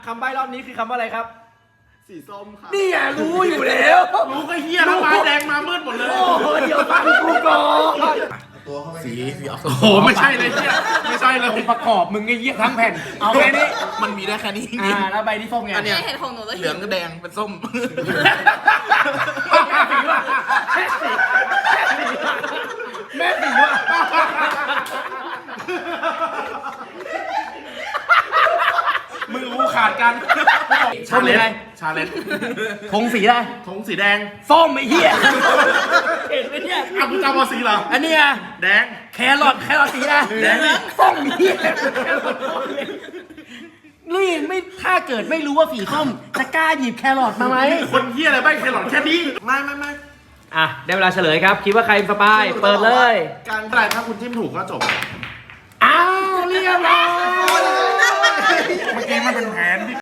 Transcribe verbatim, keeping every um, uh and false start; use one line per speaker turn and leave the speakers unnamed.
คำใบ้รอบนี้คือคำว่าอะไรครับ
สีส้มค่ะ
นี่อ่ะรู้อยู่แล้ว
รู้ก็เฮียแล้วมาแดงมามืดหมดเลย
โอ้โหเดี๋ยวฟังกูก่อน
สีสีโอ้โหไม่ใช่เลยเฮียไม่ใช่เลย
ประกอบมึงไอ้เหี้ยทั้งแผ่นเอาแค่นี้
มันมีได้แค่นี้จริง
อ่าแล้วใบที่ส้มไง
อันเนี้ย
เห็นของหนูแล้ว
เหลืองก็แดงเป็นส้ม
แม่สีว่ะมึงรู้ขาดกันชาเลนจ์
ชาเลนจ์
ธงสีอะไร
ธงสีแดง
ส้มไอ้เหี้ยเห็นไหมเนี่ย
อ่ะคุณจำว่าสีเหรอ
อันนี้อ่ะ
แดง
แครอทแครอทสีอะไร
แดง
ส้มเหี้ยแครอทนี่ไม่ถ้าเกิดไม่รู้ว่าสีส้มจะกล้าหยิบแครอทมาไหม
คนเฮียอะไรบ้างแครอทแค่นี้ไม่ไม่ไม่
อ่ะได้เวลาเฉลยครับคิดว่าใครสปายเปิดเลย
การอะไรถ้าคุณจิ้มถูกก็จบ
อ้าวเรียบร้อย
เมื่อกี้มันเป็นแผน